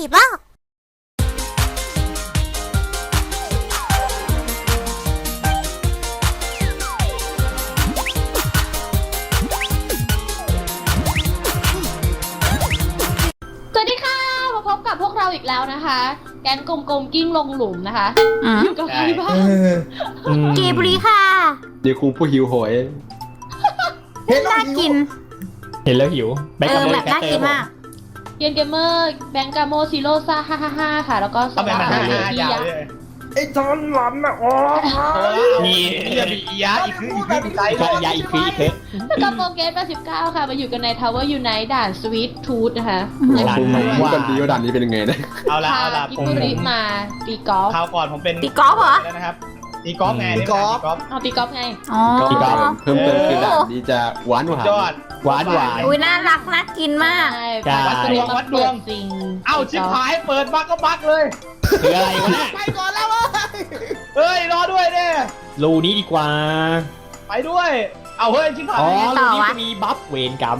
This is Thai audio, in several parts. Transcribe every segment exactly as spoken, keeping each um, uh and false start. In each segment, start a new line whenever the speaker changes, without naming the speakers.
บ้า
สวัสดีค่ะมาพบกับพวกเราอีกแล้วนะคะ แก๊งกลมๆกิ้งลงหลุมนะคะอยู่กับใครบ้าง
เกบรีค่ะ
เดี๋ยวครูผู้หิวโหย
เห็น
น่ากิน
เห็นแล้วหิวแบง
เอ
ค์
อ
กับโม
แบบน่ากินมาก
เกียนเกมเมอร์แบงกาโมซิโร่ซ่าฮ่าฮ่าฮ่าค่ะ แล้วก็ส
ทำไมมัน
ตา
ห้า
ร์
ห้ายาวเลย
ไอ้จอนหลันอ่ะอ๋อ
มีเรียบอียะอีกคืออีกคืออีกคืออียะอีกคืออีกคือ
แล้วก็โปรเกสแปดสิบเก้าค่ะ มาอยู่กันใน Tower Unite ด่าน Sweet Tooth นะคะ
ด่านนี้รู้กันดีว่าด่านนี้เป็นยังไงนะ
เอาละ
พา
เอาละ
กิ
ผม
บุริมาตีกอล์ฟ
คราวก่อนผมเป็น
ตีกอล์ฟเหรอ
แล้วนะครับตีกอล์ฟไงตีกอล์ฟ
เอาตีกอล์ฟไง
อ๋อ
เพิ่มเติมคือด่านนี้จะหวานหวาน
ยอดหวานหวาน
อุ้ยน่ารักน่ากินมาก
ใช่
ใช่
วัดดวงวัดดวงจริง
เอ้าชิบหายเปิดบักก็บักเลยคืออะไรวะเนี่ย
ไปก่อนแล้วเว้ย
เฮ้ยรอด้วยเนี่ย
รูนี้ดีกว่า
ไปด้วยเอาเฮ้ยชิบหาย
อ๋อ
ต่
รู
อ
นี้
วะ
จะมีบัฟเวนกัม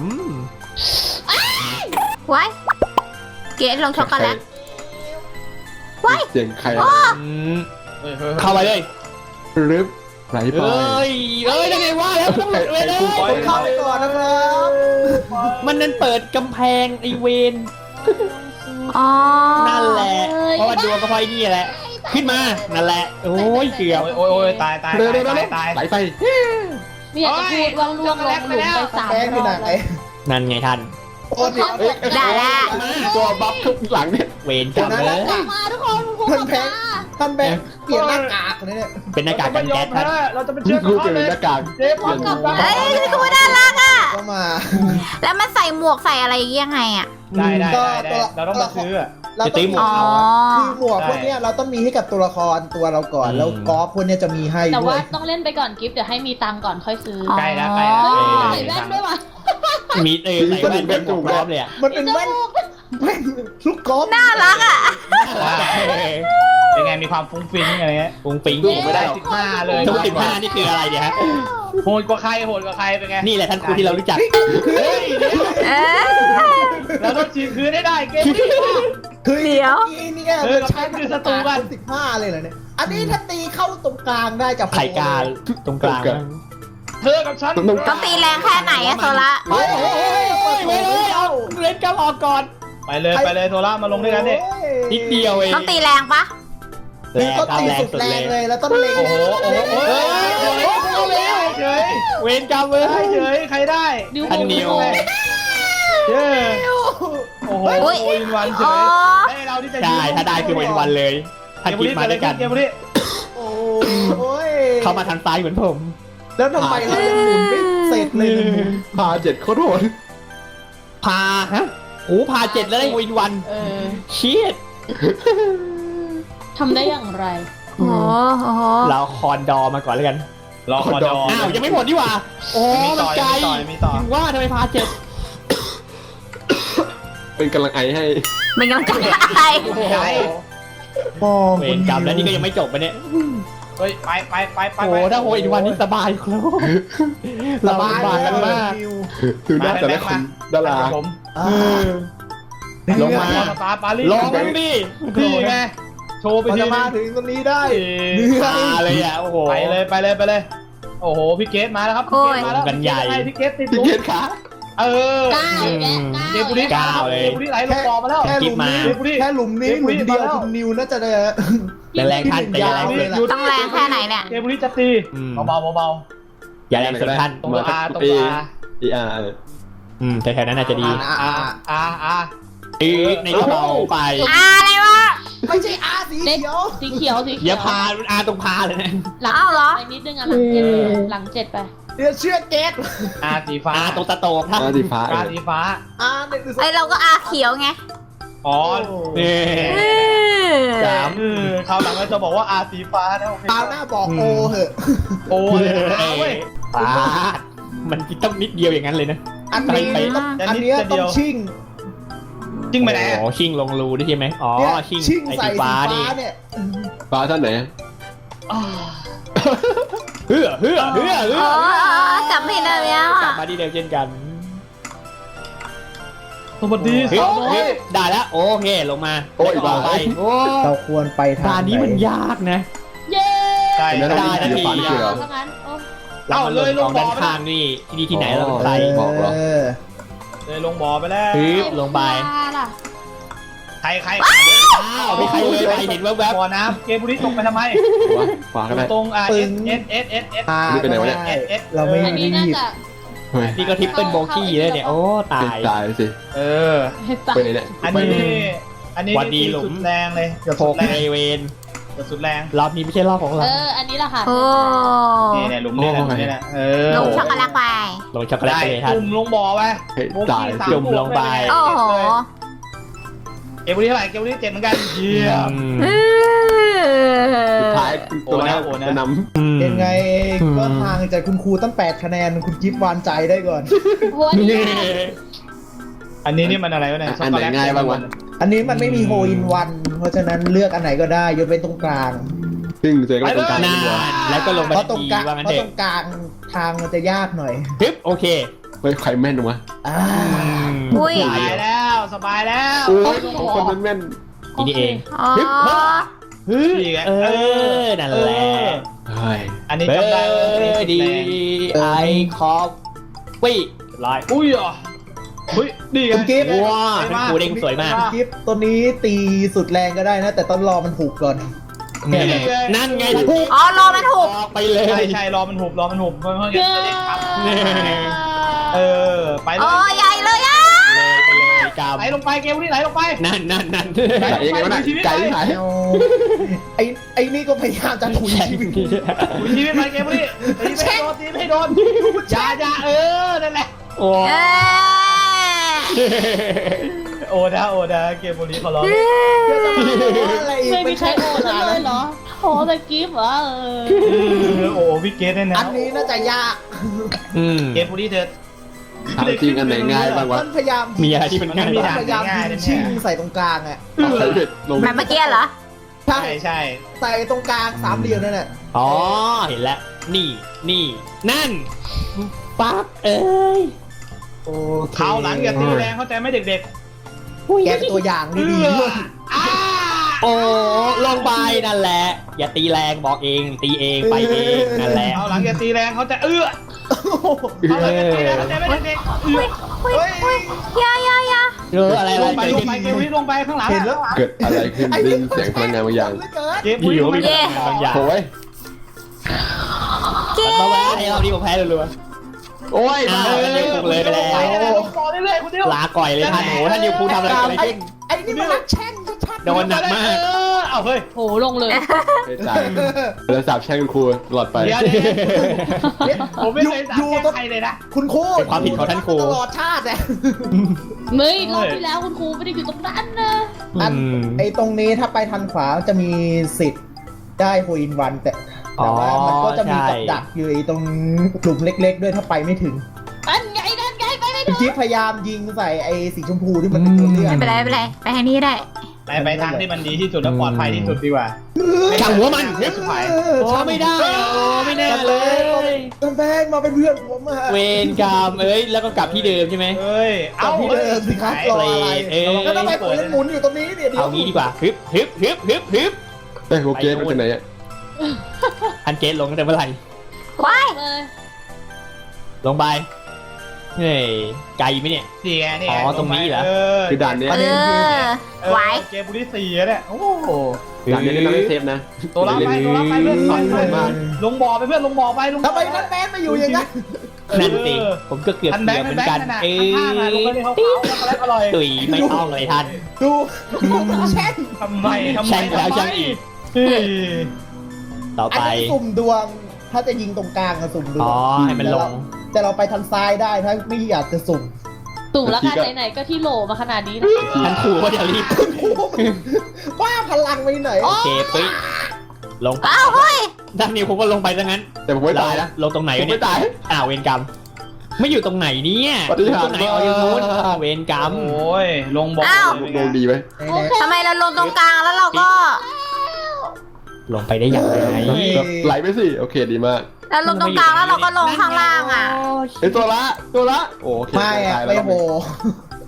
ไว้เกดลงช็อกโกแลต ไว้
เสียงใคร
อืมเข้าไปเลย
รึบไหลไป
เอ้ยเอ้ยยังไงว่าแล้วต้องหลุดเลยเลย
ผมเข้าไปก่อนนะครับ
มันนั่นเปิดกำแพงไอเวน
อ๋อ
นั่นแหละเพราะว่าดวงก็พอยนี่แหละ ขึ้นมานั่นแหละ โอ้ยเกือบ
โอ้ยโอ้ยตายตาย
เร็วเร็ว
ตาย
เร็ว
ตาย
ไหลไป
ไม่อยากจะพูดว่าล่วงลงหลุมไปสาม
แป้ง
ร
ที่
อ
ไหน
บแล้ว
นั่นไงท่าน
โอ้เดี๋ยว
ได้แล้ว
ตัวบัฟทุกหลังเนี่ย
เวนกัมเลย
มาทุกคนคุณ
ท่าน
มา
แบงค์ท่านแบงค์เปลี่ยนหน้ากากเลยเนี่ย
เป็นหน้ากากกันแก๊สท่าน
เราจะไปเชื่อ
ครู
เขา
เปลี่ยน
เลย
หน้ากาก
เจ๊พร้อมกับ
เอ้ยคือน่ารักอ่ะ
ก็มา
แล้วมันใส่หมวกใส่อะไรยังไงอ่ะ
ได้ได้ได้ได้เราต้องมาซื้อ
เราต้อง
อ๋อ
คือหมวกพวกเนี้ยเราต้องมีให้กับตัวละครตัวเราก่อนแล้วกอล์ฟพวกเนี้ยจะมีให้
แต่
ด้ว
ว่าย ต้องเล่นไปก่อนกิฟต์เดี๋ยวให้มีตังค์ก่อนค่อยซื้อ
ใกล้แล้วใกล้แล้ว
เฮ้ย
เออ
ใส่แว่นด้วยว่ะ
มีเออใส่แว่นเป็นถูกรอบเลยอ่ะ
มันเป็นแว่นแว่นลูกกอล์ฟ
น่ารักอ่ะ
เป็นไงมีความฟุ้งฟิ้งอะไรเงี้ย
ปุงปิง
ไม่ได้สิบห้าเลย
ทุกสิบห้านี่คืออะไรเนี่ยฮะ
โหดกว่าใครโหดกว่าใครเป็นไง
นี่แหละท่านครูที่เรารู้จัก
เฮ้ย
เออ
เราต้องฉีกคืนให้ได้เกมนี้
คือ
เดี๋ยว
นี่เนี่ย
เออเราใช้คือศัตรูกัน
สิบห้าเลยเหรอเนี่ยอันนี้ถ้าตีเข้าตรงกลางได้จะ
ไข่กาตรงกลาง
เธอกับฉัน
ต้องตีแรงแค่ไหนอะโซละ
เฮ้ยเฮ้ยเฮ้ย
เฮ้ยเฮ้ยเฮ้ยเอาเล่นกับออกก่อน
ไปเลยไปเลยโทล่ามาลงด้วยกันดิ
นิดเดียวเอง
ต้องตีแรงปะ
แร
นี่
ง
ต้อง
ครับ
ตี
แรง
สุด
สุด
แร
เล
ง
ย
เลยแล้วต้องเล็ง
โอ้โหโอ้โห
เฮ้ย
เฉย
เวนกรรมเลย
เฉยใครได้
นิ้ว
อันนิว
เย้โอ้โหโอินวันเฉ
อ๋อย
ให้เราที่จะ
ใช่ถ้าได้คือเวนวันเลยท่านกิฟมาด้วยกัน
เกมนี้
โอ้ย
เข้ามาทางซ้ายเหมือนผม
แล้วทำไมเรายังหมุนไม่เสร็จเลยนะหมุน
พาเจ็ดโคตรโหด
พาฮะโอ้พาเจ็ดแล้วได้เวนวัน
เออ
เชียด
ทำได้อย่างไร
โอ้โห
เราคอนดอมาก่อนแล้วกัน
รอคอดอ
อ้าวยังไม่หมดดีกว่าโอ้
มี
มั
ต่
น
อ
ไกล
มีต่อมีต่อ
ถึงว่าทำไมพาเจ็ด
เป็นกำลังไอให้
เป็นกำลังใจให้
ใช่
มอง
เวนกรรมแล้วนี่ก็ยังไม่จบปะเนี่ย
เฮ้ยไปไปไปไป
โอ้ถ้าโฮอินวันนี่สบายครับเราสบายกันมาก
ดูหน้าแต่ละคนดารา
ผม
ลงมา
ตาปาลี
ลองดิ
นี่ไงโชว์ไป
เรา
ที
จะมาถึงตรงนี้ได้
พาเลยอ่ะโอ้โห
ไปเลยไปเลยไปเลย โอ้โหพี่เกตมาแล้วครับพี่เกตมาแล้วพี่เกตติด
พี่
ลุ
เก
ก
ตขา
เออ
เก้าแกะ
เกมบุรีเกมบุรีไหลลงบ่อมาแล้ว
แค่หลุมนี้แค่หลุมนี้หลุมเดียวคุณนิวน่าจะได้
แต่แรงท่านแต่อย่าแรงเกิน
ต้องแรงแค่ไหนเนี่ย
เกมบุรีจะตีเบาๆเบา
อย่าแรงส่วนท่าน
ๆตรงอาตรงอา
อีอาร์
อืมแต่แถวนั้นน่าจะดี
อาอาอา
อีในกระเป๋าไป
อะไรวะ
ไม่ใช่อาสีเขียว
สีเขียวสีเขี
อย่าพาอาตรงพาเลยนะ
หลัง
อ้าวเหรอ
ไปนิดนึงอ่ะหลังเจ็ดหลังเจ็ดไป
เดี๋ยวเชื่อเกต
อาสีฟ้า
อาตรงตะโตกท่าน
อาสีฟ้า
อาสีฟ้า
อาเนี่ยคือ
ไอเราก็อาเขียวไง
อ๋อ
นี่
เออ
สาม
คราวหลังเราจะบอกว่าอาสีฟ้านะโอเค
ตาหน้าบอกโอเหอะ
โอ้ยอาเว้ย
ปาดมันต้องนิดเดียวอย่างนั้นเลยนะ
อันนี้ต้องอันนี้ต้องชิ่ง
จริงไหมไหน
โอ้ชิงลงรูได้ใช่ไหมอ๋อ
เนี่ย
ชิง
ชิ่ง
ไอ้
ใส่
สี
สี
ฟ้า
ฟ้า
นี่
เนี่ย
ฟ้าท่านไหน
เฮือเฮือเฮือเฮื
อ๋
อ
อจำผิดแล้ว
กลับมาที่เดิมเช่นกัน
โสวัสดี
เฮ้ย
สาวน้อ
เฮ้
ย
ยได้แล้วโอเคลงมา
โอ้ย
ต่อไปโอ้
เราควรไปทาง
ด่านนี้มันยากนะ
เย้
ใช่
เห็นไหม
ได้
เรามีศิลปะนี่คือเหรอ
ถ้างั้นโอ้
เรามาลงกองด้านข้างนี่ที่นี่ที่ไหนเราเป็นใคร
บอกเหรอ
เออ
เลยลงบ่อไปแล้ว
ฮึบลงไป
ล่ะ
ใครใคร
อ้าวมีใครเลยไปเห็นแวบ
บ่อน้ำเกมบุรีตกไปทำไม
วะขวาก็ได้
ตรงอ่ะ
ปึ้
เอส
ง
เอสเอสเอสเอส
พา
นี่ไปไหนวะเนี่ย
ได้
เอส
เราไม่
อันนี้
รี
น่า
บ
จะ
เฮ้ย
ๆนี่ก็ทิปเปิลโบกี้เลยเนี่ยโอ้ตาย
ตายสิ
เออ
ไปไหนเนี่ย
อันนี้อันนี้
วันดีหลุม
สุดแรงเลยเกือบ
โค
สุด
ก
แรง
เอเวน
เกือบสุดแรง
รอบนี้ไม่ใช่รอบของเรา
เอออันนี้แหละค่ะ
โอ้
นี่เนี่ยหลุมนี่แหละหลุมนี่แหละเออ
ลงช็อกโกแลตไป
ลงช็อกโกแลต
ได้
ไปเลยท่าน
จุ่มลงบ่อไป
เฮ้ย
โบ
ตาย
กี้สาม
จุ่มลงไป
โอ้โห
เกมบุรีเท่าไหร่เกมบุรีเจ็ดเหมือนกันเยี่ยม
อืม
เออ
สุดท้ายตัวแรก
โอ้นะ
จะน
อืม
ยังไงก็ห่างจากคุณครูตั้งแปดคะแนนคุณจิ๊บวานใจได้ก่อน
หัวดี
อันนี้นี่มันอะไรวะเนี่ยช็อกโกแลต
อันนี้มันไม่มีโฮอินวันเพราะฉะนั้นเลือกอันไหนก็ได้ยกเว้นตรงกลาง
ำซึ่งเจอก็ตรงกลาง
นา
ดีกว่า
นแล้วก็ลงไป
เพราะตรง
ที
กลาง
ว่างั้น
เพราะ
เด็
ต
ก
รงกลางทางมันจะยากหน่อย
ฮึบโอเค
เฮ้ยใครแม่นวะ
อ่า
อุ้ย
สบายแล้วสบายแล้ว
โอ้ยของคนมันแม่น
ทีนี้เอง
อ๋อ
ฮึบ
นี่ไง
เออนั่นแหละ
เฮ้ย
อันนี้
เบอ
จำได้ว่า
ร์ดีไอคอฟปี้ร้อย
อุ้ยอ่ะเฮ้ยดีไง
คุณกิฟต์
ว้าเป็นครูเด้งสวยมาก
คุณจิ๊บตัวนี้ตีสุดแรงก็ได้นะ แต่ต้องรอมันถูกก่อน
นั่นไง
อ๋อรอมันถูก
ออกไปเลย
ใช่ใช่รอมันหุบรอมันหุบเพราะงั้น
เย้
จะได้ครับเออไปเล
โอ้
ย
ใหญ่เลยอ่ะ
เลยไปเลยก
ไหลลงไปเกมนี้ไหลลงไป
ำนั่นนั่นนั่น
ไก่เองไงวะน่ะไก่ที่ไหน
เอาไอ้ไอ้นี่ก็พยายามจะถุยชีวิต
คุณชีวิตไปเกมนี้ตีไม่ให้โดนตีไม่ให้โดนอย่าอย่าเออนั่นแหละ
โอ้
เออ
โอดาโอดาเกมนี้เขาร้อง
เดี๋ยวจะมาบอกว่าอะไรอีก
ไม่มีใครโอนเลยเหรอโอ้แต่กิฟต์เหรอเออ
โอ้พี่เกตเนี่ยนะ
อันนี้น่าจะยาก
อืม
เกมนี้เธอ
ถามจริงอันไหนง่ายบ้างวะ
มันพยายาม
มีอะไรที่มันง่าย
มี
บ้าง
ด่าน
พยายาม
ง่ายๆ
ยิ
นะ
ง
เนี่ย
ชิงใส่ตรงกลางอ่ะ
ใช้เบ็ดลง
แบบเมื่อกี้เหรอ
ใช่
ใช่ใช่
ใส่ตรงกลางสามเหลี่ยมนั่นแหละ
อ๋อเห็นแล้วนี่นี่นั่นปั๊บเอ้ย
โอเค
เท้าหลังอย่าตีแรงเข้าใจไหมเด็ก
แกเป็นตัวอย่าง
ๆ
ดีๆด้วย
อ้า
โอ้ลงไปนั่นแหละ อย่าตีแรงบอกเองตีเองไปเองนั่นแหละ
เท้าหลังอย่าตีแรงเขาจะเอื้อเท้าหลังอย่าตีแรงเข้าใจไหมเด็กๆเอื้อ
อุ้ยอุ้ยอยาอยาอยา
เอออะไร
ล
อะไร
งไปลงไปเกมนี้ลงไปข้างหลัง
เห็นแล้ว
เกิดอะไรขึ้นได้ยินเสียงพลังงานบางอย่าง
เกมนี้ลงไป
บางอย่าง
โอ้ย
เก
มาแวะให้เราดีกว่าแพ้รัว
โอ้ย
อ้าวท่านนิวคุงเลยไปแล้ว
ลงต่อเรื่อยๆคุณเดียว
ลาก่อยเลยท่านโหท่านนิวคุงทำอะไรอะไรขึ้น
ไอ้นี่มันรักแช่งชัดๆ
โดนหนักมาก
เอาเฮ้ย
โหลงเลย
ไม่ตายแล้วสาบแช่งคุณครูตลอดไป
เดี๋ยวเดี๋ยวผมไม่เคยสั่งแก้ใครเลยนะ
คุณครู
เป็นความผิดของท่านครู
ตลอดชาติเนี่ย
เฮ้ยรอบที่แล้วคุณครูไม่ได้อยู่ตรงนั้นนะ
อัน
อืม
ไอ้ตรงนี้ถ้าไปทางขวาจะมีสิทธิ์ได้โฮอินวันแต่แต่ว่ามันก็จะมีกับดักอยู่ไอ้ตรงกลุ่มเล็ก ๆ ด้วยถ้าไปไม่ถึง
อันไงนั่นไงไปไม่
คุ
ถึ
ณ
ง
จิ๊บพยายามยิงใส่ไอ้สีชมพูที่มันเป็นตัวเลือก
ไม่เป็นไรไม่เป็นไรไปทางนี้ได้
ไปไปทางที่มันดีที่สุดและปลอดภัยที่สุดดีกว่า
ช่างหัวมัน
เฮ้ยสุดท้าย
โอ้ไม่ได้โอ้ไม่แน่เลย
ต้นแบงมาเป็นเพื่อนผมอะ
เวรกรรมเอ้ยแล้วก็กลับที่เดิมใช่ไหม
เฮ้ย
กลับที่เดิมสิครับรออะไร
เอ้ย
แล้วทำไมผมยังหมุนอยู่ตรงนี้เนี่ยเดี๋ยว
เอางี้ดีกว่าฮึบฮึบฮึบฮึบฮึบ
เฮ้ยโอเคมาจากไหนอ่ะ
อันเกตลงตั้งแต่เมื่อไหร่
ว้าย
เลย
ลงไปเฮ้ยไกลไหมเนี่ย
นี่ไงนี่ไง
อ๋อตรงนี้เหรอ
คือด่านเนี้ย
เออไหว
เกมบุรีสี่เนี่ยโอ้โห
ด่านเนี้ยนี่เราไม่เซฟนะ
ตัวรับไปตัวรับไปเพื่อนต่อยไปลงบ่อไปเพื่อนลงบ่อไปลง
ทำไมท่านแบงมาอยู่อย่างนั้น
นั่นสิผมก็เกือบ
ทันแบ
เกื
ง
อบ
ค์
เหมือน
แบ
กั
ง
น
ค์ขนาด
เอ้
ข้างๆลงไป
ย
ในเขาเขาช็อกโกแลตอร่อย
ตุยไม่ต้องเลยท่าน
ดูแช่ง
ทำไมทำไม
แช่งแล้วแช่งอีก
เฮ้ย
ต่อ
อัน
ไป
นี้สุ่มดวง ถ้าจะยิงตรงกลางอะสุ่มดว
อ๋
ง
อให้มันลง
แต่เราไปทางซ้ายได้ถ้าไม่อยากจะสุ่ม
ตู่แล้วกันไหนๆก็ที่โหลมาขนาดนี้นะ
ท่านครูก็จะรีบ
ว่าพลังไปไหน
โอเคปิ๊ลงไป
อ้าวเฮ้ย
ด้านนิวผมก็ลงไปซะงั้น
แต่ผมไม่ตายนะ
ลงตรงไหน
ผม
วะเนี่
ไม่ตาย
อ้าวเวรกรรม ไม่อยู่ตรงไหนเนี่ย
ปฏิหาร
ตรงไหนเอาอย่างนู้นเวรกรรม
โอ้ยลงบ่อ
ลงดีไหม
โอเค
ทำไมเราลงตรงกลางแล้วเราก็
ลงไปได้อย่างไร
ไหลไปสิโอเคดีมาก
เราลงตรงกลางแล้วเราก็ลงข้างล่างอ่ะ
ไอตัวละตัวละโอเค
ไม่อะ
ตาย
ไม่
แล้ว
โห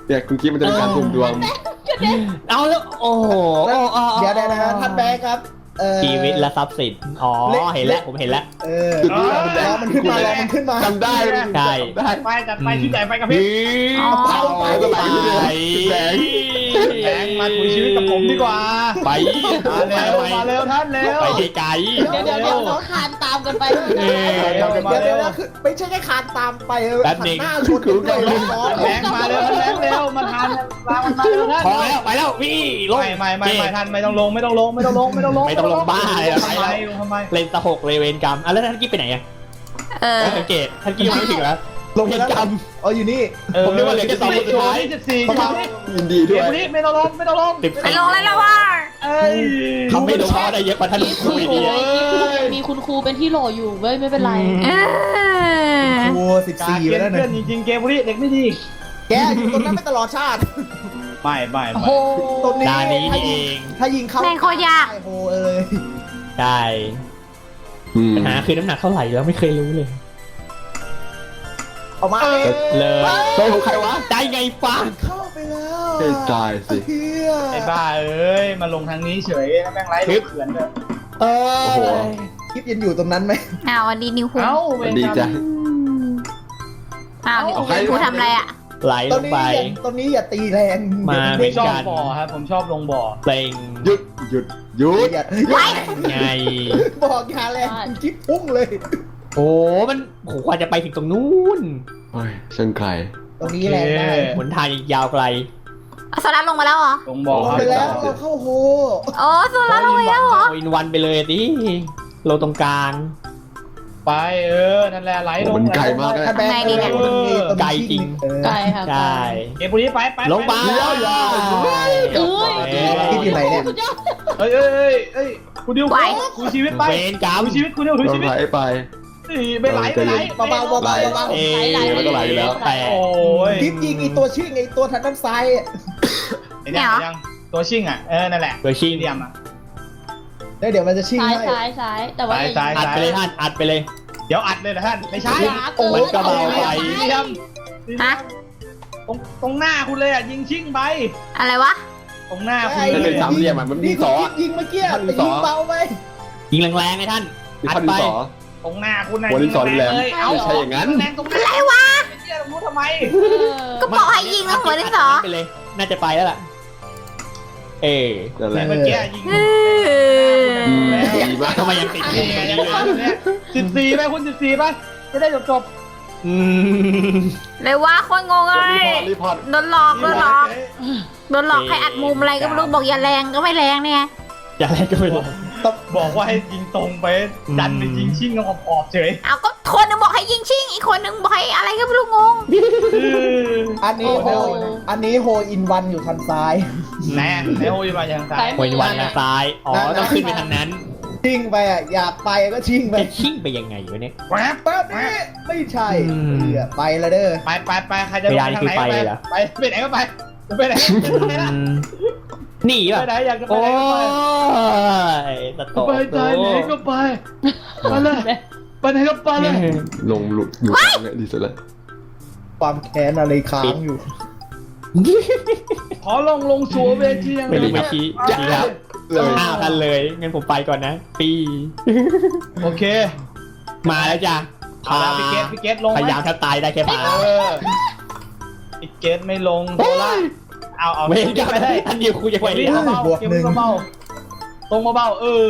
เนี่ยคุณกิ๊ฟมันจะเป็นการสุ่มดวง
เอาแล้วโอ้โห
เดี๋ยวนะท่านแบงค์ครับเอ่อ
ชีวิตและทรัพย์สินอ๋อเห็นแล้วผมเห็นแล้ว
เออ
จุดนี้คุณแด
ร
ง
อมันขึ้นมารอมันขึ้นมา
จำได้
ใช่
ได้
ไปจัดไปชุดใหญ่ไปกับพี่
เผาไปก็ไหลไปเลยแดง
แบงค์มาถุยชีวิตกับผมดีกว่า
ไป
มาเร็วมาเร็วท่านเร็ว
ไปไกล
เดี๋ยวเดี๋ยวเดี๋ยวเราคานตามกันไป
เออ
เดี๋ยวเดี๋ยวนะคือไม่ใช่แค่คานตามไปเออ
แป๊บ
หั
นึ
น
ง
หน้าชนกันด้วยซ้อน
แบงค์มาเร็วท่านแบงค์เร็วมาทานลามันมาเร็วท่าน
พอแล้วไปแล้ววี่ลง
ไม่ไม่ไม่ไม่ท่านไม่ต้องลงไม่ต้องลงไม่ต้องลงไม่ต้องลง
ไม่ต้องลงบ้าเลย
ทำไมทำไม
เลนสะหกเลยเวรกรรมอ่ะแล้วท่านกิ๊บไปไหนอ่ะ
เออ
สังเกตท่านกิ๊บยังไม่ถึงแล้ว
ลงไปแล้วอ๋ออยู่นี่
ผมนึกว่าเหลือแค่สองคนสุดท้าย
สิบสี่
ยินดีด้
เดี๋
วย
วย นี้ไม่ต้องลงไม่ต้องลง
สิบ
ไป
สี่
ลงเลยแล้วว่า
เอ้ย
ทำไม่ลงเพราะได้เยอะกว่าท่านคุยดี
มีคุณครูเป็นที่โหลอยู่เว้ยไม่เป็นไร
เออ
ครูสิบ
การ
สี่
เก
ไป
ม
แล้ว
เพื่อ
เนี่ย
นจริงๆเกมนี้เด็กไม่ดี
แกอยู่ตรงนั้นไม่ตลอดชาติ
ไม่ไม่
โอ้
ไม่
โห
ตรงนี้
ดานี้นี่เอง
ถ้ายิงเข้า
แม่งโคตรยาก
ใช่โหเอ้ย
ใช่
อืม
ปัญหาคือน้ำหนักเท่าไหร่แล้วไม่เคยรู้เลย
ออกมา
เลย
โดนของใครวะ
ได้ไงฟัง
เข้าไปแล้ว
เฮ้ยตายสิ
เฮีย
ไอ้บ้าเอ้ยมาลงทางนี้เฉยแล้วแม่งไร้ลูกเขือนเลย
เอ
โอ้โห
คลิปยังอยู่ตรงนั้นไหม
อ้าววันดีนิวคุ
เอ้า
สวัสดีจ้ะ
อ้าวนิว
เอาใคร
คุทำอะไรอ่ะ
ไหล
ต
ล
อน
ง
นี้
ไป
อย่าตอนนี้อย่าตีแรง
มา
เดี๋ยว
ชอบ
กัน
บ่อครับผมชอบลงบ่อ
เพลง
หยุดหยุดหยุด
อย่า
ไว้
ไง
บอกอย่าแรงคลิปพุ่งเลย
โอ้มันโหกว่าจะไปถึงตรงนู้น
โอ้ยช่างใคร
ตรงนี้แรงได้
หนทางอีกยาวไกล
เอาโซล่าลงมาแล้วเหรอ
ลงบ่อ
ลง
ครับ
ไปแล้วเราเข้าโฮ
โอ้โซล่าลงไปแล้วเหรอ
โอินวันไปเลยดิโลตรงกลาง
ไปเออนั่นแหละไหลลง
มันไกลมากเลย
ถ้าแบงค์
ทำไงดีเนี่ย
ตรงนี้ตรงนี้
ไกลจริง
เออ
ไกลค่ะ
ใช่
เกมพวกนี้ไปไป
ลงไป
เดี๋ยวอย่า
เอ้ย
คลิปอยู่ไหนเนี่ย
สุดยอด
เอ้ยเอ้ยเอ้ยคุณดิว
ไหว
คุยชีวิตไป
เวรกรรม
คุยชีวิตคุณดิวคุย
โด
ชี
น
วิต
ไหลไป
ไม่ไหลไม่ไหล
เบาๆเบาๆเบาๆเบา
เอ๊ะ
ไหลๆ
มันก็ไหลอยู่แล้ว
แต่
โอ้ย
ๆคลิปยิงไอตัวชื่อไอตัวทางด้านซ้ายอะ
ไอ้เนี่ยยังตัวชิ่งอ่ะเออนั่นแหละ
เบอร์ชิง
เหลี่ยมอ่ะ
แล้วเดี๋ยวมันจะชิ่ง
ซ้าย
ให้
ซ้ายซ้ายแต่ว่า
ซ้าย
อัดไปเลยท่านอัดไปเลย
เดี๋ยวอัดเลยนะท่านไม่ใช่
โอ้ยกระเบาไป
เหลี่ยม
ฮะ
ตรงตรงหน้าคุณเลยอ่ะยิงชิ่งไป
อะไรวะ
ตรงหน้าคุณ
มัน
เล
เป็น
ย
สามเหลี่ยมอะมันมีสออะ
ยิงเมื่อกี้
มันมี
แต่
ส
ยิ
อ
งเบาไป
ยิงแรงๆไงท่าน
มี
อั
พั
ด
น
ไป
สอ
ตรงหน้าคุณนะ
โอ้ยนี่สอนแรง
เลยเอ้า
ไม่ใช่อย่างนั้น
แรงตรงหน้า
อะไรวะ
ไปเที่ยวตรงนู้นทำไม
ก็บอกให้ยิงแล้วหัวดินสอ
ไปเลย น่าจะไปแล้วล่ะ เออ
นั่นแหละ
เมื่อกี้ยิง
เออ
ดีมาก
ทำไมยังติดอยู่ตรงนี้เลย
สิบสี่ไหมคุณสิบสี่ป่ะจะได้จบจบ
อืม
เลยว่าคนงงเลย
รีพอร์ต
โดนหลอกโดนหลอกโดนหลอกให้อัดมุมอะไรก็ไม่รู้บอกอย่าแรงก็ไม่แรงเนี่ย
อย่าอะไรก็ไม่รู้
บอกว่าให้ยิงตรงไปดันไปยิงชิ่งกับขอบเฉย
เอาก็คนหนึงบอกให้ยิงชิงอีกคนหนึงบอกให้อะไรก็ไม่รู้งง
อันนี้โฮ
โอ้โห
อันนี้โฮอินวันอยู่ทางซ้าย
แน่ในโอ้ยมาอย่างซ้าย
โอยวันทางซ้าย อ๋อ ต้องขึ้นไปทางนั้น
ชิ่งไปอ่ะอยากไปก็ชิ่งไป
จะชิ่งไปยังไงวะเนี่ย
แวบ
แป๊บนี้ไม่ใช่
อืม
เหี้ยไปแล้วเด้อ
ไปไปไปใครจะไปทางไหนไปไปไปไหนก็ไปไปไหนไปไหน
อืมหนี
ไป
ป่ะ
ไหนอยากจะไป
โอ้
ไหนก็ไป
ยตะโก
ไปใจไหนก็ไปไปเลยไปไหนก็ไปเลย
ลงหลุดอยู่ตรงเนี้ยดีสุดแล้ว
ความแค้นอะไรค้างอยู่
ขอลงลงสัวเวทียัง
ไม่รู้ไม่ชี้ดีครับ
เลย
อ้าวทันเลย งั้นผมไปก่อนนะ ปี
โอเค
มาแล้วจ้ะ
เอาแล้วพี่เกตพี่เกตลง
พยายามถ้าตายได้แค่พา
เออพี่เกตไม่ลงโซล่าเอาเอา
เวรกรรม
ไม่ได้
อันเดียวคุยจะไป
เก็บ
ได้
เบาๆเก็บเบาๆตรงเบาๆเออ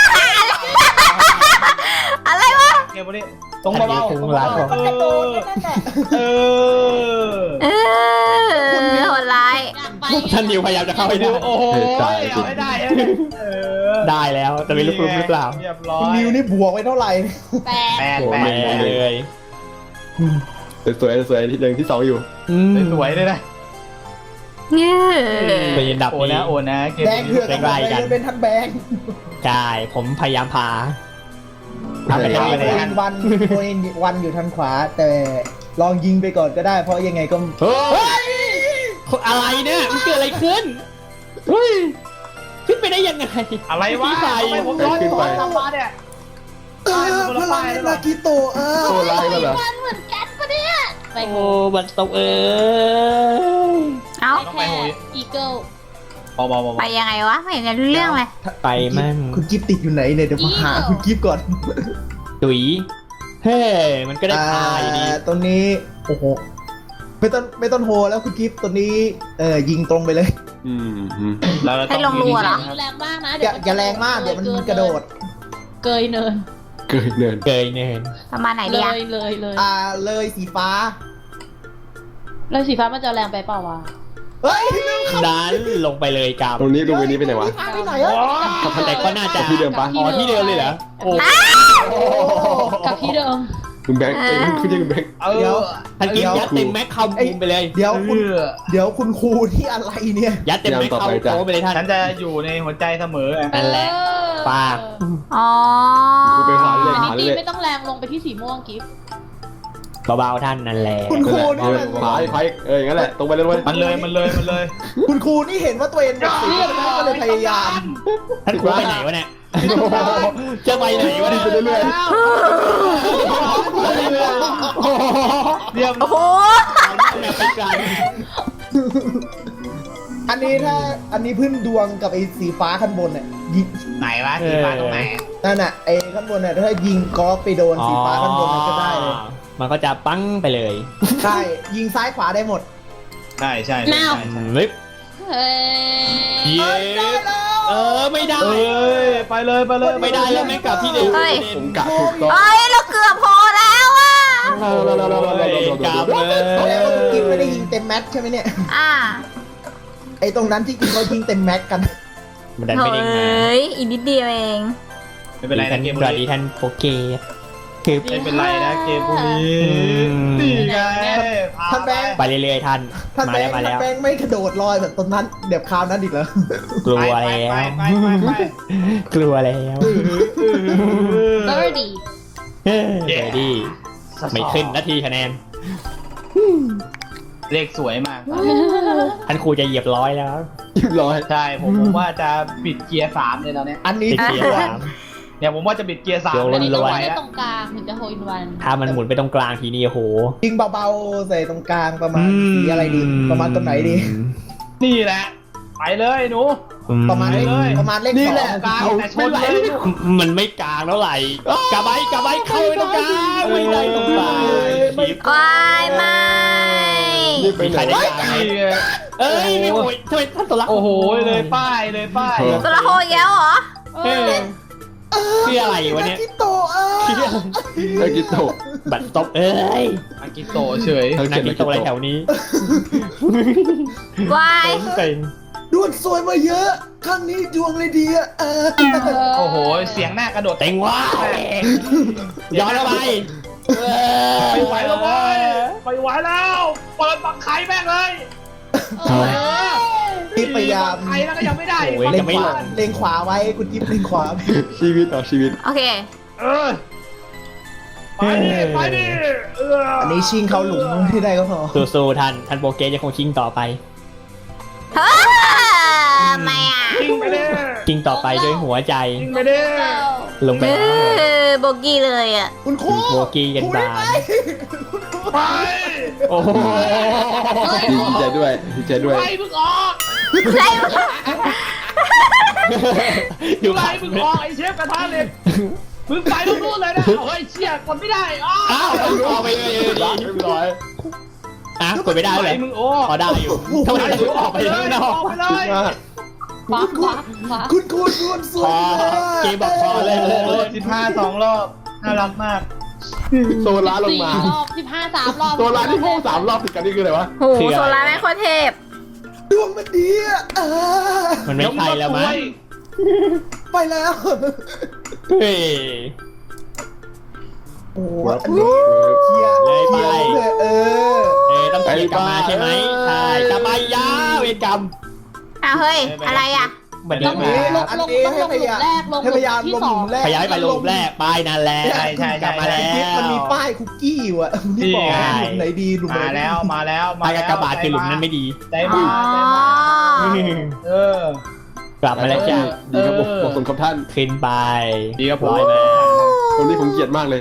อะไรวะ
เก็บไว้ดิตรงเบาๆตรงเบาๆ
มันกระโดดแค่นั้นแหละ
เออ
เออโหดร้าย
อยากไป
ท่านนิวพยายามจะเข้าให้ได้
โอ้โหเอาให้ได้เออ
ได้แล้ว แต่ไม่รู้ปรุงหรือเปล่า
เรียบร้อ
คุณ
ย
นิวนี่บวกไว้เท่าไหร่
แปด
แปด
โอ้
แป
แม่
ด
เลย
สวยๆสวยๆที่หนึ่งที่สองอยู่
อืม
สวยเลยนะ
เงี้ย
เป็นอันดับ
โอ้
นี้
นะโอ้นะเก็บ
แบงค์เถื่อน
ใกล้ๆกัน
เป็นท่านแบงค์
ใช่ผมพยายามพาทำไป
โฮ
ทำไปเลย
อินวันโฮอินวันอยู่ทางขวา แต่ลองยิงไปก่อนก็ได้ เพราะยังไงก็
เฮ้ยอะไรเนี่ยมันเกิดอะไรขึ้นเฮ้ยขึ้นไปได้ยังไง
อะไรวะ
พี่ไฟ
ทำไมผมย้อนตัวกลับมาเนี่ย
เออพลังลากิโตะเออ
โซล่าแล้วเหรอ
มันเหมือนกันปะเนี่ยไป
โอ้บัตรตกเอ้ย
เอ้า
แค่อีเกิล
พอพอพอ
ไปยังไงวะ ไม่เห็นจะรู้เรื่องเลย
ไปมั่ง
คุณกิฟติดอยู่ไหนเนี่ยเดี๋ยวมาหาคุณกิฟก่อน
ตุยเฮ้มันก็ได้พาอยู่ดี
อ่าตรงนี้โอ้โหไม่ต้องไม่ต้องโฮแล้วคุณกิฟตัวนี้เออยิงตรงไปเลย
อืมอืม
แล้วเรา
ให้
ต้อง
ลงรัวเหรอ
ยิงแรงมากนะ
อย่าอย่าแรงมากเดี๋ยวมันกระโดด
เกยเนิน
เกิดเนิน
เกยเนิน
ประมาณไหน
เล
ดีอะ
ยเลยเลย
อ่าเลยสีฟ้า
เลยสีฟ้ามันจะแรงไปเปล่าวะ
เฮ้ย
ดันลงไปเลยกับ
ตรงนี้ตรงนี้ไปไหนวะ
ฟ้าไปไหนอะ
แต่ก็น่าจะ
ที่เดิมปะ
อ๋อที่เดิมเลยเหรอโอ้
กับที่เดิม
คุณแบงค์เอ้ยคุณยังคุณแบงค์
เออ
เดี๋ยว
ทันกินยัดเต็มแม็กเข้ามุมไปเลย
เดี๋ยวคุณเดี๋ยวคุณครูที่อะไรเนี่ย
ยัดเต็มแม็กเข้าโค้งไปเลยท่าน
ฉันจะอยู่ในหัวใจเสมอไง
นั่นแหละ ปาก
อ๋อ
คุณไปขวาเรื่อย
อัน
ข
นี้
วา
ตี
เรื่อย
ไม่ต้องแรงลงไปที่สีม่วงกิฟต์
เบาๆท่านนั่นแหละ
คุณครู
นั่นแหละ
นี่
เอา
มัน
ขวาอีกขวาอีกเอออย่างนั้นแหละตรงไปเลยเว้ย
มันเลยมันเลยมันเลย
คุณครูนี่เห็นว่าตัวเองหมดสิทธิ์แล้วก็เลยพยายาม
ท่านครูไปไหนวะเนี่ยจะไปไหนวะเนี่ย
ไปเรื่อย
เรียบ
โอ้โห
แมวไปไกล
อันนี้ถ้าอันนี้พื้นดวงกับไอ้สีฟ้าข้างบนเนี่ยยิง
ไหนวะสีฟ้าตรงไหน
นั่นน่ะไอ้ข้างบนน่ะถ้ายิงกอล์ฟไปโดนสีฟ้าข้างบนมันก็ได้เลย
มันก็จะปั้งไปเลย
ใช่ยิงซ้ายขวาได้หมด
ใช่ใช่ใช่ใช่
ลิฟ
เฮ้ย
เย็บเออไม่ได้
เอ้ยไปเลยไปเลย
ไม่ได้แล้วไม่กลับที่เดิม
ๆผมกะถูกต้อง
เอ้ย เราเกือบพอแล้วอ่ะ
เราเราเราเราเราเราเรา
กลับ
เรา
เลย
แสดงว่าคุณกิฟไม่ได้ยิงเต็มแม็กซ์ใช่ไหมเนี่ย
อ่า
ไอ้ตรงนั้นที่กิฟเขายิงเต็มแม็กซ์กัน
มันดัน
โถ
ไม่ได้มา
เอ้ย อีกนิดเดียวเอง
ไม่เป็นไร
ท่า
นะ
น
เกม
ส
พว
วั
ก
สดี
นี้
ท่านโปเกคือ
ไม่เป็นไรนะเกมพวกนี้
ม
นี่ไง
ท่านแบงค์
ไปเรื่อยๆท่าน
ท่าน
มา
แบ
แล้
ง
ว
ค์
มา
ท่าน
แล้ว
แบงค์ไม่กระโดดลอยแบบตรงนั้นเดี๋ยวคราวนั้นอีกเหรอก
ลัว
ไป
แล้ว
ไปไปไปไป
กลัวแล้ว
เบอร์ดี้
เฮ้ยเดี๋ยวดิไม่ขึ้นนาทีคะแนน
เลขสวยมาก
ท่านครูจะเหยียบร้อยแล้ว
เรียบร้อย
ใช่ผมผมว่าจะบิดเกียร์สามเลยตอนเนี้ย
อันนี้
ติดเกียร์สาม
เนี่ยผมว่าจะบิดเกียร์สาม
เดี๋ยว
เล
อั
ย
นนี้
ไม่
ต้อง
ไหว
ไป
แล้ว
ตรงกลางถึงจะโฮอินวัน
ถ้ามันหมุนไปตรงกลางทีนี้โอ้โห
ยิงเบาๆใส่ตรงกลางประมาณสีอะไรดี ประมาณตรงไหนดี
นี่แหละ ไปเลยหนู
ประมาณเลข
เลย
ประมาณเลข
นี่
สอ
แหละ
ง
กลางแต่ชนเลย
มันไม่กลางแล้วไหลกระไบกระไบเข้าไปตรงกลางไม่ได้ตรงกลางคลิป
วายไม่
นี่ไป
มี
ไห
ใคร
น
ได้กลางไหมเอ้ยไม่โอ้ยทำไมท่านตัวรัก
โอ้โหเลยป้ายเลยป้าย
ตัวละโหอีกแล้วเหรอ
เออคืออะไรวะเนี่ย
คิโตะเออ
เลิกกินโตะ
บัตรตบเอ้ย
อากิโตะเฉย
เออ
นักกินตบอะไรแถวนี้
วาย
เต็ง
ดวงสวยมาเยอะครั้งนี้ดวงเลยดีอะเออ
โอ้โหเสียงหน้ากระโดด
เต็งว่าย้อนเข้าไป
ไปไหวแล้วเว้ยไปไหวแล้วเปิดปักไข่แม่งเลย
ที่พยายาม
ปักไข่แล้วก็ยังไม่ได้
โอ้ย
เล็
จะ
ง
ไม่
ข
ล
วาง เล็งขวาไว้คุณจิ๊บเล็งขวา
ชีวิตต่อชีวิต
โอเค
เออไปดิไปดิเออ
อันนี้ชิงเขาหลุมที่ได้ก็พอ
สู้ๆท่านท่านโปเกสจะคงชิงต่อไป
เฮ้ยไม่อ่ะ
ยิงไปดิ
ชิงต่อไปด้วยหัวใจ
ยิงไปดิ
ลงไป
เอ
แล้ว
อโบกี้เลยอ่ะ
คุณครู
โบกี้กันบาน
ไป
โอ้โห
ดีใจด้วยดีใจด้วย
ไปมึงออก
ใช่
อยู่
ไป
ข้าง
มึงออกไอ้เชฟกระทะเหล็กมึงไปมึงนู่นเลยนะเฮ้ยเชี่ยกดไม่ได้อ้า
อ้าวออกไปเลย
เรียบร้อยเรียบร้อย
อ่ะกดไม่ได้
ไป
เลย
มึงโอ้
พอได้อยู่ทำไมถึงออกไปข้างนอก
ไปเลย
ขวาขวาขวา
คุณครูดวงส
พ
วย
อ
มาก
เกมบอกพอเลย
โอ้โหสิบห้าสองรอบน่ารักมาก
โซล่าลง
สี่
มาร
อบสิบห้าสามรอบ
โซล่าที่พุ่งสามรอบติดกันนี่คืออะไรวะ
โหโซลาร์แม่งโคตรเทพ
ดวงมันดีอะเออ
มันไม่ใช่แล้วมั้ง
ไปแล้ว
เฮ้ย
โอ้โหอันนี้เคลียร์
เลยไป
เคลียร์เลยเออ
เออต้องเกียร์กลับมาใช่ไหมใช่กลับมายาวเวรกรรม
อ้าวเฮ้ย อะไรอ่ะ
บัน
ต
นี้
รง
มา
นี้
ลง
อัน
ลง
นี้
ต้อง
ให้
ลง
พ
หลุ
ยายาม
มแรกลงห
ให้
ลุ
พยายาม
มที่
ลง
ส
ห
อ
ลุ
ง
มแรก
ขยายไปลงแรกป้ายนั่นแหละ
ใช่ใช่
กลับมาแล้ว
มันมีป้ายคุกกี้อยู่อะที่บอก
ใช่
หลุมไหนดีหลุมไหน
มา
ดี
แล้วมาแล้ว
ป้ายกากบาทคือหลุมนั้นไม่ดี
ใจ
อ๋
มา
อ
ใจมาเออ
กลับมาแล้วจ้ะ
ดีครับผมขอบคุณครับท่าน
ขึ้นไป
ดีครับผม
ร้อยมา
ตรงนี้ผมเกลียดมากเลย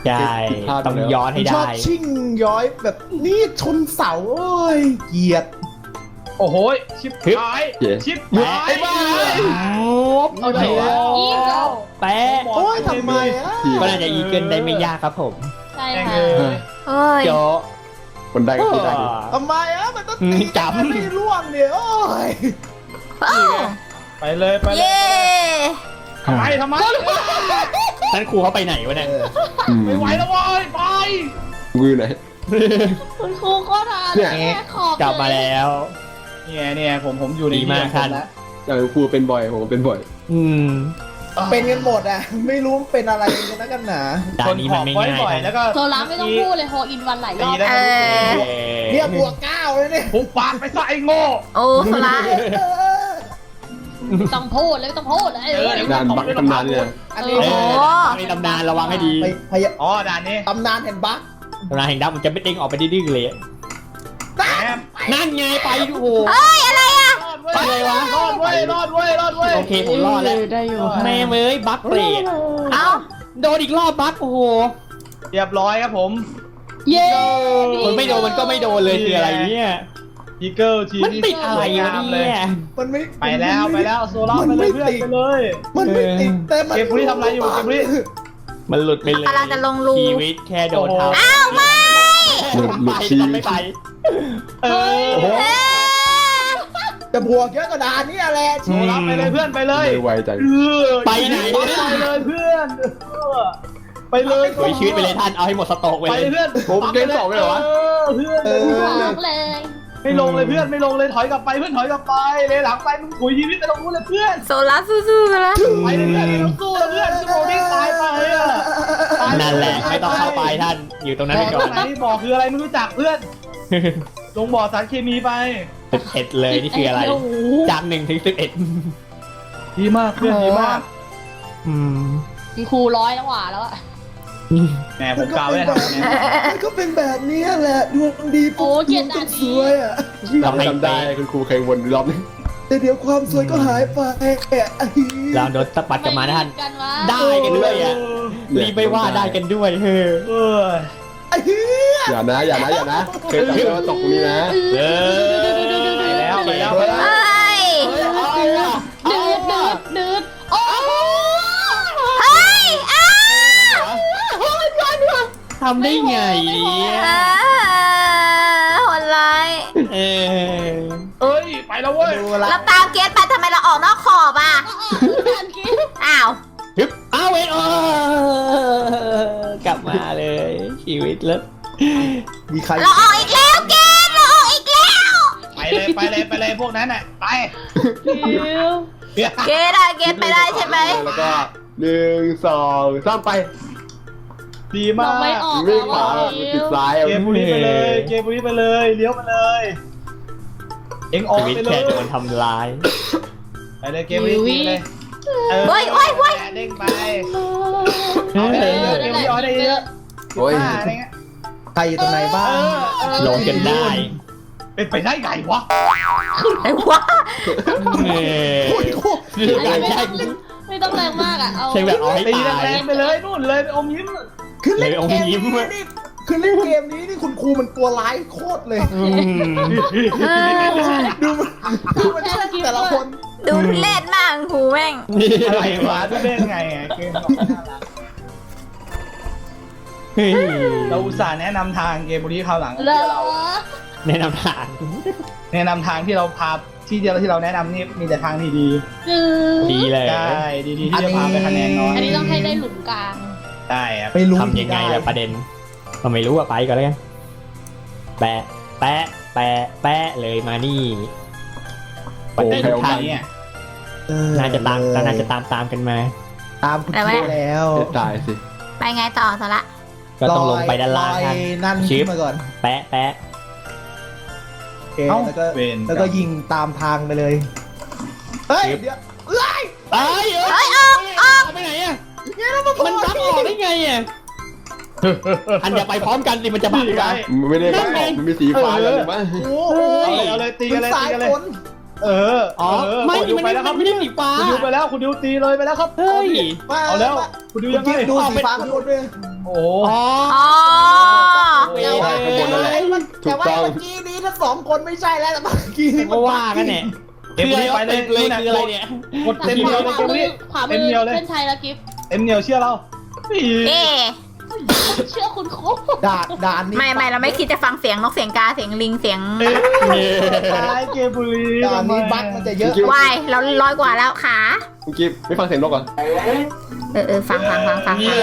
ใช่ต้องย้อนให้
ชอ
ได้
บชิ่งย้อยแบบนี่ชนเสาโอ้ยเกลียด
โอ้โหชิปหายชิปหาย
เอาเถอะ
อีกแล้ว
แปะ
โอ้ยทำไมอ่ะ
ก็น่าจะอีเกิลได้ไม่ยากครับผม
ใช่
แม่ง
ค่ะ
เอ้ย
เอ้ย
โจะ
คนได้ก็คือได้ดิ
ทำไมอ่ะมันต้องตี
จับ
มันไม่ร่วงเนี่ยโอ้ย
เอ้า
ไปเลยไปเลย
เย้
ทำไมทำไม
ท่านครูเขาไปไหนวะเนี่ย
เออ
อืม
ไม่ไหวแล้วเว้ยไป
มือไหน
คุณครูก็ทาน
เนี่ย
แค่ขอบ
กลับมาแล้ว
เนี่ยเนี่ยผมผมอยู่ใน
ดีมาก
ที่
ท่าน
แล้ว
อย่างครูเป็นบ่อยผมเป็นบ่อย
อืม
เป็นกันหมดอ่ะ ไม่รู้เป็นอะไรกันนะกันหนา
ด่านนี้มันไม่
ชขอบ
ง่าย
บ่อย
ท่าน
ๆแล้วก็
โซล่าไม่ต้องพูดเลยโฮอินวันหลายร
ตี
อบ
แล้ว
เออ
เนี่ยบวกเก้าเลยเนี่ย
พุกปากไปซะไอ้โง่
โอ้สลาย
เออ
ต้องพูดเลยไม่ต้องพูดเลย
เออเดี๋ยว
งานบักตำนานเนี่ย
อันนี้
เอ
โอ้
อมีตำนานระวังให้ดี
ไปพยา
อ๋อด่านนี้
ตำนานแห่งบัค
ตำนานแห่งดับมันจะไม่เด้งออกไปดื้อๆเลย
แหม
นั่นไงไปดูโอ้โห
เอ้ยอะไรอ่ะ
รอดเว้ย
ไปเลยวะ
รอดเว้ยรอดเว้ยรอดเว้ย
โอเคผมรอดแล้ว
ได้อยู่
แม่เมยบัคเปรต
เอ้า
โดนอีกรอบบัคโอ้โห
เรียบร้อยครับผม
เย้
มันไม่โดนมันก็ไม่โดนเลยคืออะไรเนี่ย
อีเกิลที
มันติดอะไรวะเนี่ย
มันไม่
ไปแล้วไปแล้วโซล่า
มั
ไป
น
เล
ไม่
ยเพื่อน
ติด
ไปเลย
มันไม่ติดแต่มัน
เก็บบุหรี่ทำอะไรอยู่เก็บบุหรี่
มันหลุดไปเลย
กำลังจะลงรู
ชีวิตแค่โดนทำ
อ้าวไม่
หลุดหลุด
ไป
ชี
มันไม่ไป
เออ
โอ้โห
เอ้ย
จะบวกเยอะกว่าดานนี่แหละ
โซล่าไปเลยเพื่อนไปเลย
ไม่ไวจัง
เออ
ไปไหน
ไปเลยเพื่อนเออไปเลย
สวยชีวิตไปเลยท่านเอาให้หมดสต็อกไป
ไป
เลย
เพื่อน
ผมเกมสองเลยเหรอวะ
เออเพื่อน
เออ
บอกเลย
ไม่ลงเลยเพื่อนไม่ลงเลยถอยกลับไปเพื่อนถอยกลับไปเลยหลังไปมึงถุยชีวิตไปตรงนู้นเลยเพื่อน
โซล่าสู้ๆไปแล้ว
ไปเลยเพื่อนไม่ต้องสู้เลยเพื่อนชั่วโมงนี้ตายไปอ่ะ
นั่นแหละไม่ต้องเข้าไปท่านอยู่ตรงนั้นไปก่อน
ไหนบอกคืออะไรไม่รู้จักเพื่อน ลงบ่อสารเคมีไป
สิบเอ็ดเลยนี่คืออะไร
โโห
จากหนึ่งถึงสิบเอ็ด
ดีมากเพื่อนดีมาก
อืม
คุณครูร้อยแล้วหว่าแล้วอะ
แหมผมกล่าวไว้ทำไง
มันก็เป็นแบบนี้แหละดวงดี
โอ้เกลียดด่าน
ส
นี้
วยอ่ะ
เราไม่
จำได้คุณครูเคยวนรอบนึง
แต่เดี๋ยวความสวยก็หายไป
เราโดนสปัดกลับมานะท่าน
กันวะ
ได้กันด้วยอ่ะรีบไปว่าได้กันด้วยเฮ้อ
เออ
ไอ้เหี้ย
อย่านะอย่านะอย่านะเคยจำได้ว่าตกตรงนี้นะ
เออ
ไปแล้วไปแล้วไปแล้ว
เอ้ย
ดืดดืดดืดดืดโอ้โห
เฮ้ยอ้าว
ทำได้ไงเนี่ย
อ่าโหดร้าย
เออ
เอ้ยไปแล้วเว้ย
ดูละ
เราตามเกสไปทำไมเราออกนอกขอบอ่ะ
การกิน
อ้าว
ฮึบอ้าวเวนโอกลับมาเลยชีวิตแล้ว
มีใคร
เราออกอีกแล้วเกสเราออกอีกแล้ว
ไปเลยไปเลยไปเลยพวกนั้นน่ะไป
เกสอะเกสไปได้ใช่ไหม
แล้วก็หนึ่งสองสามไป
ดีมา
เรา
ก
ไม่ออก
วิ่งข
แล้ว
วา
อะ
ติดซ้าย
เกมบุรีไปเลยเกมบุรีไปเลยเลี้ยวไปเลยเอ็งออก
ชีวิต
ไปเล
แค่
ย
โดนทำร้าย
ไปเลยเกมบุรีไปเลย
โอ้ยโอ้ยโอ้ย
เด้งไป
เอ
เอาไป
อ
เลยเกมบุรีเอาได้เยอะ
โอ้ย
อะไรเงี้ย
ใครอยู่ตรงไหนบ้าง
ลงกันได้
เป็นไปได้ไงวะ
ไอ้วะ
เออ
โอ้ยโอ้ย
คือการแช่ง
ไม่ต้องแรงมากอ่ะ เอา
ใช่แบบเอาให้
ตี
ตาย
แรงๆไปเลยนู่นเลยไปอมยิ้ม
คือเล่น
เลยเอา
เกม
ยิ้ม
นี้นี่คือเล่นเกมนี้นี่คุณครูมันตัวร้ายโคตรเลย
อืม
เออ
ดูมันดูมันช่างแต่ละคน
ดูทุเล่นมากครูแม่ง
อะไรวะที่เล่นไงอะเกมของน่ารัก
เฮ้ย
เราอุตส่าห์แนะนำทางเกมบุรีคราวหลัง
เหรอ
แนะนำทาง
แนะนำทางที่เราพาที่เดียวที่เราแนะนำนี่มีแต่ทางที่ดี
ดืด
ดีเลย
ใช่ดีๆที่จะพาไปคะแนนน้อย
อันนี้ต้องให้ได้หลุมกลาง
ใช่ครับ
ไม่รู้
ทำยังไงล่ะประเด็นเราไม่รู้อะไปก่อนเลยกันแปะแปะแปะแปะเลยมานี่ประเด็น
โอเคโอเค
ทาง
เนี่ย
เออ
น่าจะตามน่าจะตามตามกันมา
ตามคุณครูแล้ว
ตายสิ
ไปไงต่อสละ
ก็ต้องลงไปด้านล่าง
ลอย
ท่าน
นั่น
ชิ
ขึ้
ป
นมาก่อน
แปะแปะ
โอเค
เอ้า
แล้วก็
เวร
แล้วก็ยิงตามทางไปเลยเฮ้ยเดี๋ยวเอ้ย
เอ้ย
เฮ้ยออกออก
ไปไหนอะ
เนี่ยแล้วมัน
มันบักออกได้ไงอะอันอย่าไปพร้อมกันสิมันจะบัก
นี่ไง
กัน
ไม่ได้บ้ามันมีสีฟ้าแล้วหรือไม่
โอ้โห
เอาเลยเอาเลยตีกันเลย
สา
ตี
ย
กันเลย
ฝน
เออ
อ๋อ
เออ
ไม่
คุณดิว
มัน
ไป
ไม่
แล้วครับ
ไม่ได้สีฟ้า
คุณดิวไปแล้วคุณดิวตีเลยไปแล้วครับ
เฮ้ย
มา
เอาแล้ว
มา
คุณดู
คุ
ยั
ณ
งไง
กิ๊ฟดู
อ๋อ
สี
เป็น
ฟ้าข้างบนด้วย
โอ้โห
อ๋อ
อ๋อ
แต่ว่า
ข้างบนนั่นแหละ ถู
แต่
ก
ว่า
ต้อง
เมื่อกี้นี้ทั้งสองคนไม่ใช่แล้วแต่เมื่อกี้นี้
ก็ว่ากันเนี่ย
เอ็ม
คืออะไร
ไปเลย
เลยคืออะไรเนี่ย
กดเต็มเหนียวเลย
ขวา
เกม
มือ
นี้
ขวามื
เต็ม
อ
เหนียวเลย
เส้นชัยแล้วกิฟต์
เต็มเหนียวเชื่อเรา
เอ๊ะ
เชื่อคุณโค้ช
ด่านด่านนี้
ไม่ไม่เราไม่คิดจะฟังเสียงนกเสียงกาเสียงลิงเสียง
ตายเกมบุรี
ด่านนี้บั๊กมันจะเยอะ
วายเราร้อยกว่าแล้วขา
คุณกิ๊ฟไม่ฟังเสียงนกก่อน
เออเออฟังฟังฟังฟังฟัง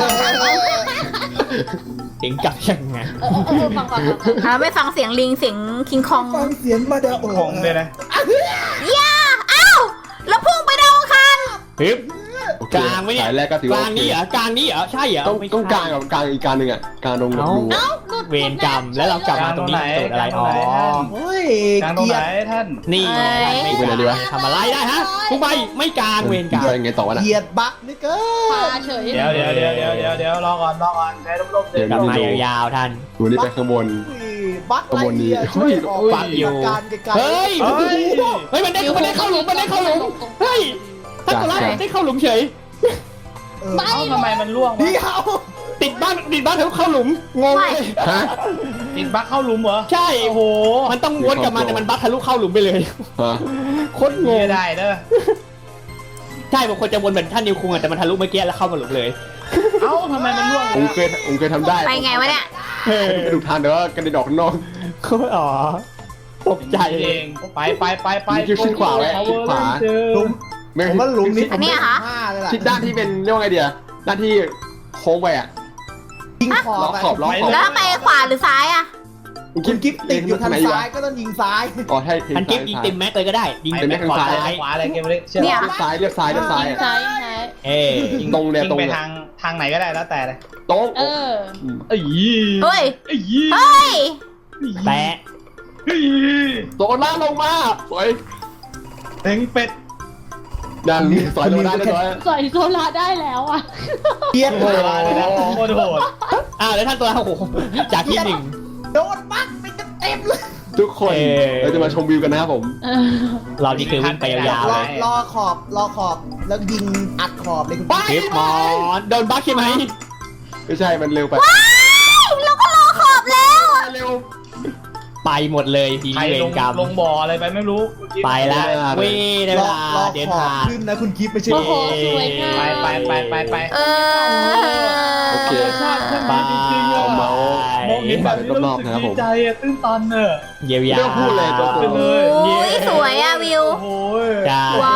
เสียงจับยังไง
เออเออเออฟังฟังฟังฟัง
เราไม่ฟังเสียงลิงเสียงคิงคอง
ฟังเสียงมาเดาโอ
ของเลยนะ
ย่าอ้าวแล้วพุ่งไปดาวอังคาร
ฮึบ
โอเค
กลางไหมเนี่ย
สายแรกก็ถือก ว่า
ลางนี้เหรอกลางนี้เหรอใช่เหรอ
ต้อง
ไม่ใช่
ต้องกลางกับกลางอีกกลางหนึ่งอ่ะกลางตรงรู
เอ้า
อะ
หลุด
เวรกรรมแล้วเรากลับมาตรงนี้สูตรอะไรอ๋อ
โอ้ย
กลางตรง
เกี
ไห
ย
น
ด
ท่าน
นี่ไงไม่ใช่ทำอะไรได้ฮะทุกใบไม่กลางเวรกรรม
จะยังไงต่อวะน่ะ
เกียดบั๊กนี่เกิ
พาน เฉย
เดี๋ยวเดี๋ยวเดี๋ยวเดี๋ยวเดี๋ยวเดี๋ยวรอก่อนรอก่อนใจร่มๆเดี๋ยว
กลับมายาวๆท่าน
ดูนี่ไปข้างบน
อุ้ยบั๊ก
ขบวนนี้
ไรเกียร์ช่วยออก
ฟังอยู่
การไกลๆ
เฮ้ย
เฮ้ย
เฮ้ยมันได้มันได้เข้าหลุมมันได้เข้าหลุมเฮ้ยถ้าตัวร้ายได้เข้าหลุมเฉย
เออ
ไม่
เอ้าทำไมมันล่วง
เดี
วะ
ยว
ติดบ้านติดบ้านเขาเข้าหลุมงงเลย
ฮะ
ติดบั๊กเข้าหลุมเหรอ
ใช่
โอ้โห
มันต้องวนกลับมาแต่มันบัคทะลุเข้าหลุมไปเลย
ฮะ
โคตรงง
ไม่ได้เด้อ
ใช่บางคนจะวนเหมือนท่านนิวคุงอะแต่มันทะลุเมื่อกี้แล้วเข้ามาหลุมเลย
เอ้าทำไมมันล่วง
ผมเคยผมเคยทำได้
ไปไงวะเนี่ย
เออ
ไปดูทางเดี๋ยวว่ากระเด็นออกข้างนอก
โคตรอ๋อตกใจ
เองไปไปไปไป
คิดขึ้นขวาไว้คิดขวา
หลุม
ไม่
ผมว่าหลุมนี้
อันเนี้ยเหรอ
ห้าเลยล่ะ
ทิศด้านที่เป็นเรียกว่าไงเดียด้านที่โค้งไปอ่ะ
ยิงขอบ
ล็อกขอบล็อกขอบ
แล้วไปขวาหรือซ้ายอะ
คุณกิ๊ฟติดอยู่ทาง
ไหน
ซ้ายก็ต้องยิงซ้าย
อ๋อใช่
ทันกิฟยิงเต็มแม็กเลยก็ได้ยิง
ไป
เต็ม
ไป
แม็ก
ขวา
ซ้า
ไป
ย
ขวาอะไรเกมนี้เชื่อ
เนี่ย
เรียบซ้ายเรียบซ้ายเรียบซ้าย
ยิง
อะ
ซ้ายยิงซ้าย
เอ้ย
ตรงเนี่ย
ยิ
ตรง
ไป
เนี่ย
ทางทางไหนก็ได้แล้วแต่เลย
ตรง
เออ
ม
เอ้ย
เฮ้ย
เอ้ย
เฮ้ย
แปะ
เฮ้ย
โดนล่าลงมาสวย
เต็งเป็ด
ดันสวยลงได้เรียบร้อย
สอยโซลาได้แล้วอ่ะ
เกียด
โหดเลยนะโคตรโหด
อ้าวแล้วท่านตัวโอ้โหจากที่หนึ่ง
โดนบั๊กไปเต็มเลย
ทุกคน
เอ่อ
เราจะมาชมวิวกันนะครับผม
เออ
เรานี่คือวิ่งไปยาวๆ
ร
เล
อย รอขอบรอขอบแล้วยิงอัดขอบเลยคุณ
ไป
คลิปมอนโดนบัคใช่ไหม
ไม่ใช่มันเร็วไป
เราก็รอขอบแล้ว
เร็ว
ไปหมดเลยที
ใคร
เว
ล
รง กรรม
ลงบ่ออะไรไปไม่รู้
ไปแล้วเว้ยได้
ร
เว
อ
ลาร
อ
เดิน
ขอบ
ทาง
ขึ้นนะคุณกิ๊ฟไม่ใช่
โอ้โหสวยงาม
ไปไปไปไปไป
เออ
โอเค
ชาติขึ้น
ไป
มาจริงๆอะ
เมาส์
มองเห็นแบบนี้แล้วรู้สึกดีใจอะตื้นตันเนอะ
เยียวยา
ไม่ต้องพูดเลยตัว
ไปเลย
โอ้ยสวยอะวิว
โอ้โห
ใช่
ว้าว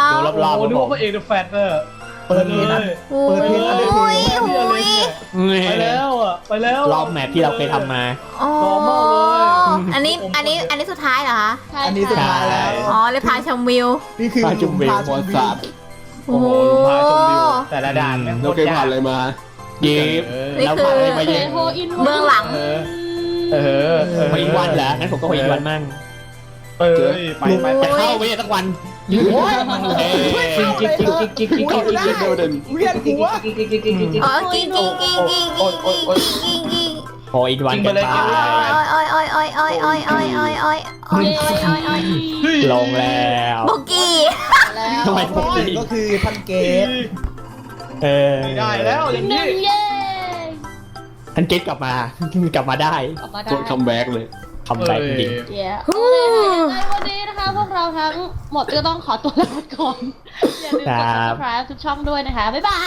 ดูรอบๆ
โอ้โหนึก
ผ
ว่าม พระเอกเดอะแฟตเนอะ
เปิดเพลงนะ
โอ้
เปิดเพลงอะไรเพลง
ยโอ้ย
ไปแล้วอ่ะไปแล้ว
รอบแมปที่เราเคยทำมา
อ๋อ
normal เลย
อันนี้อันนี้อันนี้สุดท้ายเหรอคะ
ใช่
อันนี้สุดท้ายแล้ว
อ๋อเลยพาชมวิว
นี่คือ
พาชมวิว
พาช
บอ
ม
ล
วิ
สาว ด
โอ้โหลุงพาชมวิวแต่ละด่านแม่ง
เราเคยผ่านอะไรมา
เย็บ
นี่
แล้ว
คือ
ผ่านอะไรมา
เฮ
เยอะ
โฮอิน
เบื้องหลัง
เออเออเออ
ไปอีกวันเหรองั้นผมก็ไปอีกวันมั่ง
เออไปไปไป
จะเข้าไปเนี่ยสักวัน
โอ้ย
เอ้ย
จิ๊กจิ๊กจิ๊กจิ๊กจิ๊กจิ๊กจิ๊กจิ๊ก
เดี๋ยวเดิน
เวียนหัว
อ๋อกิ้งกิ้งกิ้งกิ้งกิ้งกิ้งกิ้งกิ้ง
โอ้อีกวันกันไป
โอ้ยโอ้ยโอ้ยโอ้ยโอ้ยโอ้ยโอ้ยโอ้ยโอ้ยโอ้ยโอ้ยโอ้ย
ลงแล้ว
บุกกี้
แล้ว
ทำไมพวกนี้
ก็คือท่านเกต
เออ
ไม่ได้แล้วอย่าง
ห
นี้
นึ่งเย้
ท่านเกตกลับมา กลับมาได้
ออกมาได้
โคตรคัมแบ็กเลย
คำแบ็กจริง
เย้โอเคในวันนี้นะคะพวกเราทั้งหมดก็ต้องขอตัวลาไปก่อนอย่าลืมกด subscribe ทุกช่องด้วยนะคะ บ๊ายบาย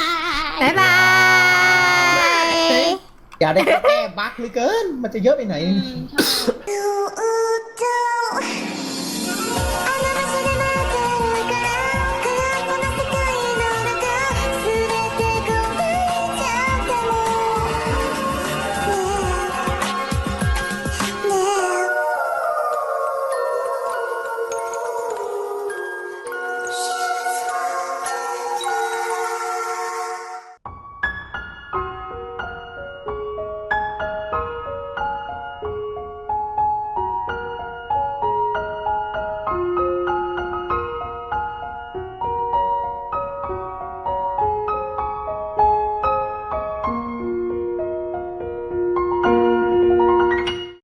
บ๊ายบาย
อย่าได้แก้บั๊กเลยเกิน มันจะเยอะไปไหน
อืมใช่